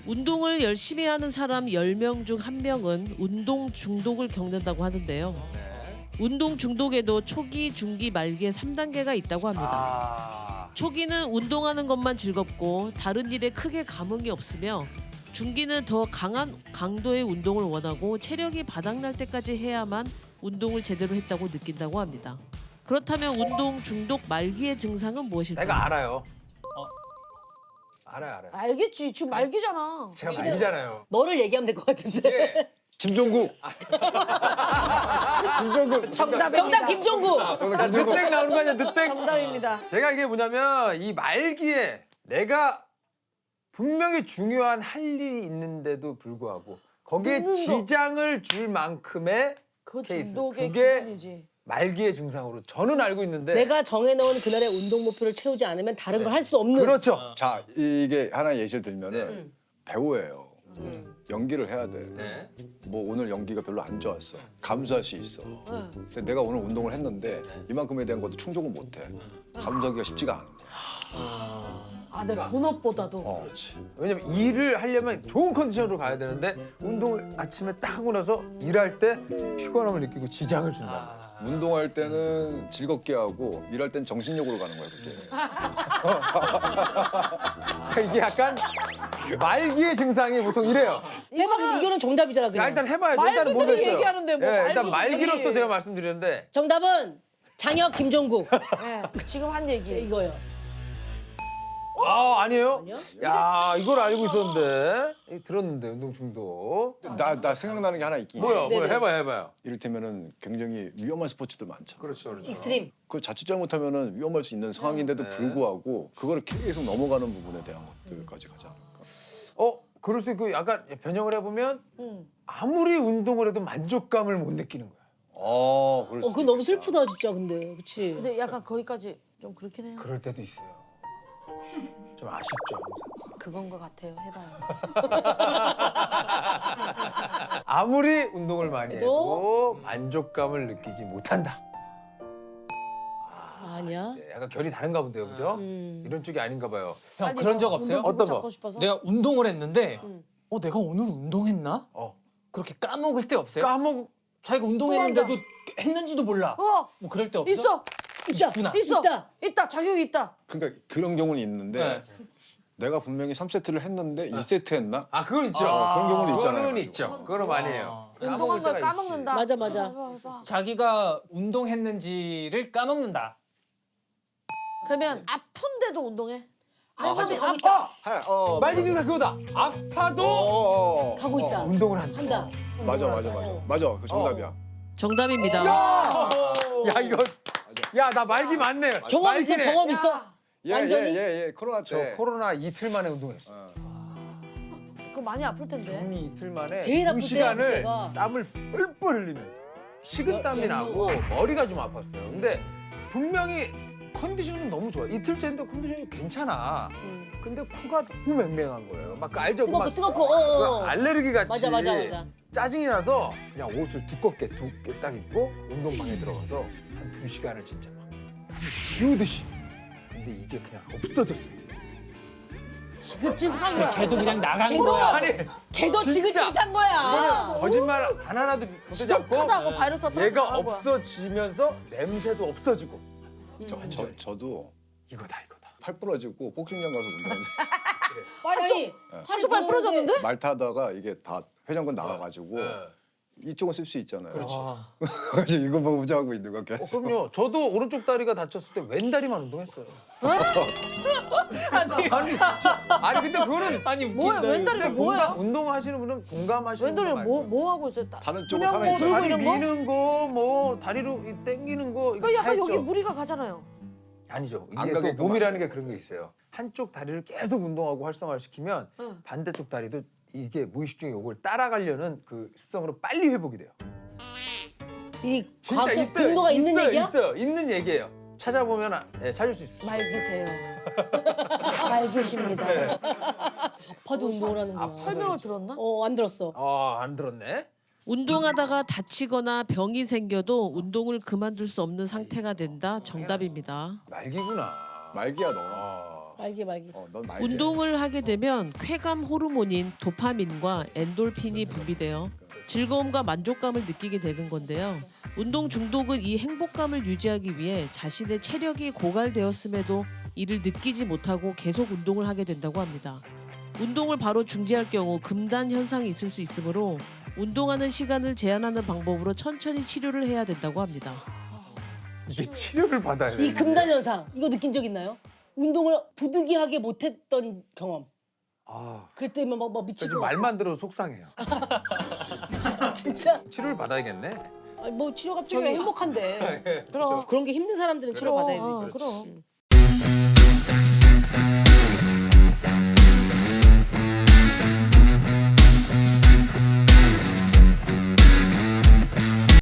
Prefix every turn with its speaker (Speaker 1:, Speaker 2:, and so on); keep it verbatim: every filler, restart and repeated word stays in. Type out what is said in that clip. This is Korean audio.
Speaker 1: 운동을 열심히 하는 사람 열 명 중 한 명은 운동 중독을 겪는다고 하는데요.
Speaker 2: 네.
Speaker 1: 운동 중독에도 초기, 중기, 말기의 삼 단계가 있다고 합니다.
Speaker 2: 아.
Speaker 1: 초기는 운동하는 것만 즐겁고 다른 일에 크게 감흥이 없으며 중기는 더 강한 강도의 운동을 원하고 체력이 바닥날 때까지 해야만 운동을 제대로 했다고 느낀다고 합니다. 그렇다면 운동 중독 말기의 증상은 무엇일까요?
Speaker 2: 내가 알아요. 알아요, 알아요.
Speaker 3: 알겠지. 지금 말기잖아.
Speaker 2: 제가 말기잖아요.
Speaker 4: 너를 얘기하면 될 것 같은데.
Speaker 2: 예.
Speaker 5: 김종국. 김종국.
Speaker 3: 정답입니다.
Speaker 4: 정답 김종국.
Speaker 2: 아, 늦땡 나오는 거 아니야, 늦땡?
Speaker 3: 정답입니다.
Speaker 2: 제가 이게 뭐냐면 이 말기에 내가 분명히 중요한 할 일이 있는데도 불구하고 거기에
Speaker 3: 늦는 거.
Speaker 2: 지장을 줄 만큼의
Speaker 3: 그
Speaker 2: 케이스.
Speaker 3: 중독의
Speaker 2: 그게
Speaker 3: 기본이지.
Speaker 2: 말기의 증상으로 저는 알고 있는데
Speaker 4: 내가 정해놓은 그날의 운동 목표를 채우지 않으면 다른 걸 할 수 없는.
Speaker 2: 그렇죠.
Speaker 5: 자, 이게 하나 예시를 들면은
Speaker 2: 네.
Speaker 5: 배우예요. 연기를 해야 돼.
Speaker 2: 네.
Speaker 5: 뭐 오늘 연기가 별로 안 좋았어. 감수할 수 있어. 근데 내가 오늘 운동을 했는데 이만큼에 대한 것도 충족을 못 해. 감수하기가 쉽지가 않아.
Speaker 3: 아, 내 본업보다도.
Speaker 5: 어.
Speaker 2: 왜냐면 일을 하려면 좋은 컨디션으로 가야 되는데 운동을 아침에 딱 하고 나서 일할 때 피곤함을 느끼고 지장을 준다.
Speaker 5: 운동할 때는 즐겁게 하고 일할 땐 정신력으로 가는 거야, 그게.
Speaker 2: 이게 약간 말기의 증상이 보통 이래요.
Speaker 4: 해봐. 이거는 정답이잖아.
Speaker 2: 야,
Speaker 4: 그냥.
Speaker 2: 일단 해봐야죠. 일단은
Speaker 3: 말기들이
Speaker 2: 모르겠어요.
Speaker 3: 얘기하는데 뭐
Speaker 2: 예, 일단
Speaker 3: 말기들이.
Speaker 2: 말기로서 제가 말씀드리는데
Speaker 4: 정답은 장혁 김종국.
Speaker 3: 네, 지금 한 얘기.
Speaker 4: 이거요.
Speaker 2: 아 아니에요?
Speaker 4: 아니요?
Speaker 2: 야 이걸 알고 있었는데 이, 들었는데 운동 중독.
Speaker 5: 나, 나 생각나는 게 하나 있긴 해.
Speaker 2: 뭐야 뭐야
Speaker 4: 네네.
Speaker 2: 해봐요 해봐요.
Speaker 5: 이를테면은 굉장히 위험한 스포츠들 많죠.
Speaker 2: 그렇죠 그렇죠.
Speaker 4: 익스트림.
Speaker 5: 그 자칫 잘못하면 위험할 수 있는 상황인데도
Speaker 2: 네.
Speaker 5: 불구하고 그거를 계속 넘어가는 부분에 대한 것들까지 가지 않을까.
Speaker 2: 어 그럴 수 있고 약간 변형을 해보면
Speaker 3: 응.
Speaker 2: 아무리 운동을 해도 만족감을 못 느끼는 거야.
Speaker 5: 어, 그럴
Speaker 4: 어,
Speaker 5: 수
Speaker 4: 그거 너무
Speaker 5: 있겠다.
Speaker 4: 슬프다 진짜 근데. 그치?
Speaker 3: 근데 약간 거기까지 좀 그렇긴 해요.
Speaker 2: 그럴 때도 있어요. 좀 아쉽죠.
Speaker 3: 그건 것 같아요. 해봐요.
Speaker 2: 아무리 운동을 많이
Speaker 4: 해도?
Speaker 2: 해도 만족감을 느끼지 못한다.
Speaker 4: 아니야.
Speaker 2: 네, 약간 결이 다른가 본데요, 그죠?
Speaker 4: 음.
Speaker 2: 이런 쪽이 아닌가 봐요.
Speaker 6: 형
Speaker 3: 빨리
Speaker 6: 그런 적
Speaker 3: 뭐
Speaker 6: 없어요?
Speaker 3: 운동
Speaker 2: 어떤
Speaker 3: 잡고
Speaker 2: 거?
Speaker 3: 싶어서?
Speaker 6: 내가 운동을 했는데 어 내가 오늘 운동했나?
Speaker 2: 어.
Speaker 6: 그렇게 까먹을 때 없어요?
Speaker 2: 까먹.
Speaker 6: 자기가 운동했는데도 했는지도 몰라.
Speaker 3: 어,
Speaker 6: 뭐 그럴 때 없어?
Speaker 3: 있어,
Speaker 4: 있다.
Speaker 6: 있구나.
Speaker 3: 있어,
Speaker 4: 있다.
Speaker 3: 있다. 자격이 있다.
Speaker 5: 그러니까 그런 경우는 있는데
Speaker 6: 네.
Speaker 5: 내가 분명히 삼 세트를 했는데 이 세트 했나?
Speaker 2: 아, 그건 있죠.
Speaker 5: 아, 그런 경우는 있잖아요.
Speaker 2: 그거는 있죠. 그거는 많이 해요.
Speaker 3: 운동한 걸
Speaker 2: 까먹을 때가
Speaker 3: 까먹는다.
Speaker 4: 맞아, 맞아.
Speaker 3: 해봐, 해봐.
Speaker 6: 자기가 운동했는지를 까먹는다.
Speaker 3: 그러면 아픈데도 운동해?
Speaker 4: 아파도 가고
Speaker 2: 있지.
Speaker 4: 있다.
Speaker 5: 하, 어,
Speaker 2: 말기
Speaker 5: 맞아.
Speaker 2: 증상 그거다. 아파도
Speaker 5: 어, 어, 어.
Speaker 4: 가고 있다.
Speaker 2: 운동을 한다.
Speaker 4: 한다.
Speaker 5: 맞아, 맞아, 맞아. 맞아, 그 정답이야.
Speaker 1: 정답입니다.
Speaker 2: 야, 야 이거. 야, 나 말기 맞네.
Speaker 4: 경험 있어,
Speaker 2: 말기네.
Speaker 4: 경험 있어.
Speaker 5: 예,
Speaker 4: 완전히?
Speaker 5: 예, 예, 예. 코로나
Speaker 2: 저
Speaker 5: 때.
Speaker 2: 코로나 이틀 만에 운동했어.
Speaker 5: 어.
Speaker 3: 그거 많이 아플 텐데.
Speaker 2: 격리 이틀 만에
Speaker 4: 제일 아플
Speaker 2: 두
Speaker 4: 때야,
Speaker 2: 시간을
Speaker 4: 그때가.
Speaker 2: 땀을 뿔뿔 흘리면서 식은땀이
Speaker 4: 어,
Speaker 2: 나고 머리가 좀 아팠어요. 근데 분명히 컨디션은 너무 좋아. 이틀째인데 컨디션이 괜찮아.
Speaker 4: 음.
Speaker 2: 근데 코가 너무 맹맹한 거예요. 막 그 알죠? 그
Speaker 4: 뜨겁고
Speaker 2: 막
Speaker 4: 뜨겁고. 어,
Speaker 2: 그
Speaker 4: 어.
Speaker 2: 알레르기 같이
Speaker 4: 맞아, 맞아, 맞아.
Speaker 2: 짜증이 나서 그냥 옷을 두껍게 두께 딱 입고 운동방에 들어가서 한 두 시간을 진짜 막 비우듯이. 근데 이게 그냥 없어졌어요.
Speaker 3: 지긋지긋한 거야.
Speaker 6: 걔도 그냥 나간
Speaker 4: 걔도-
Speaker 6: 거야.
Speaker 2: 아니
Speaker 4: 걔도
Speaker 2: 진짜.
Speaker 4: 지긋지긋한 거야.
Speaker 2: 이거는 거짓말 단 하나도 못하지 않고
Speaker 3: 지독하다고 바이러스 터져
Speaker 2: 얘가
Speaker 3: 나간 거야.
Speaker 2: 없어지면서 냄새도 없어지고
Speaker 5: 저, 저, 저도
Speaker 2: 이거다 이거다.
Speaker 5: 팔 부러지고 복싱장 가서 운동했는데
Speaker 4: 아니,
Speaker 3: 하수발 부러졌는데?
Speaker 5: 말 타다가 이게 다 회전근 나가가지고
Speaker 2: 네.
Speaker 5: 이쪽은 쓸 수 있잖아요.
Speaker 6: 아,
Speaker 5: 그래서 이거 보자 하고 있는 거
Speaker 2: 어,
Speaker 5: 계속.
Speaker 2: 그럼요. 저도 오른쪽 다리가 다쳤을 때 왼다리만 운동했어요. 아니, 아니 진짜. 아니 근데 그거는
Speaker 6: 아니
Speaker 3: 뭐야,
Speaker 6: 웃긴다.
Speaker 3: 왼다리가
Speaker 2: 공감,
Speaker 3: 뭐야?
Speaker 2: 운동하시는 분은 공감하시는
Speaker 3: 왼다리
Speaker 2: 분
Speaker 3: 뭐,
Speaker 2: 말고.
Speaker 3: 뭐 하고 있어요? 따-
Speaker 5: 다른 쪽은
Speaker 2: 그냥
Speaker 5: 살아
Speaker 2: 뭐
Speaker 5: 있잖아.
Speaker 2: 다리
Speaker 3: 들고 있는 거?
Speaker 2: 미는 거, 뭐 다리로 이 당기는 거 이거
Speaker 3: 그
Speaker 2: 다
Speaker 3: 약간 여기
Speaker 2: 했죠.
Speaker 3: 무리가 가잖아요.
Speaker 2: 아니죠.
Speaker 5: 안
Speaker 2: 이게 또
Speaker 5: 가게끔
Speaker 2: 몸이라는 게 그런 게 있어요. 한쪽 다리를 계속 운동하고 활성화를 시키면
Speaker 3: 응.
Speaker 2: 반대쪽 다리도 이게 무의식 중에 이걸 따라가려는 그 습성으로 빨리 회복이 돼요.
Speaker 4: 이
Speaker 2: 진짜
Speaker 4: 과학적
Speaker 2: 있어요.
Speaker 4: 근거가 있는
Speaker 2: 있어요,
Speaker 4: 얘기야?
Speaker 2: 있어요. 있는 얘기예요. 찾아보면 아- 네, 찾을 수 있어요.
Speaker 3: 말기세요.
Speaker 4: 알겠습니다. 아파도 운동을 하는구나.
Speaker 3: 설명을 들었나?
Speaker 4: 어, 안 들었어.
Speaker 2: 아, 안 들었네.
Speaker 1: 운동하다가 다치거나 병이 생겨도 운동을 그만둘 수 없는 상태가 된다. 정답입니다.
Speaker 2: 말기구나.
Speaker 5: 말기야 너.
Speaker 2: 아,
Speaker 4: 말기 말기.
Speaker 5: 어, 넌 말게.
Speaker 1: 운동을 하게 되면 쾌감 호르몬인 도파민과 엔돌핀이 분비되어 즐거움과 만족감을 느끼게 되는 건데요. 운동 중독은 이 행복감을 유지하기 위해 자신의 체력이 고갈되었음에도 이를 느끼지 못하고 계속 운동을 하게 된다고 합니다. 운동을 바로 중지할 경우 금단 현상이 있을 수 있으므로 운동하는 시간을 제한하는 방법으로 천천히 치료를 해야 된다고 합니다.
Speaker 2: 이게 치료를 받아야 돼.
Speaker 4: 이 금단 현상 이거 느낀 적 있나요? 운동을 부득이하게 못했던 경험.
Speaker 2: 아,
Speaker 4: 그럴 때면 막, 막
Speaker 2: 저
Speaker 4: 미칠
Speaker 2: 지금
Speaker 4: 것 같아.
Speaker 2: 말만 들어도 속상해요.
Speaker 4: 진짜.
Speaker 2: 치료를 받아야겠네.
Speaker 4: 아니, 뭐 치료가 필요해. 행복한데.
Speaker 3: 그럼.
Speaker 4: 그런 게 힘든 사람들은 치료
Speaker 3: 그럼,
Speaker 4: 받아야
Speaker 3: 어,
Speaker 4: 되죠.
Speaker 3: 그럼.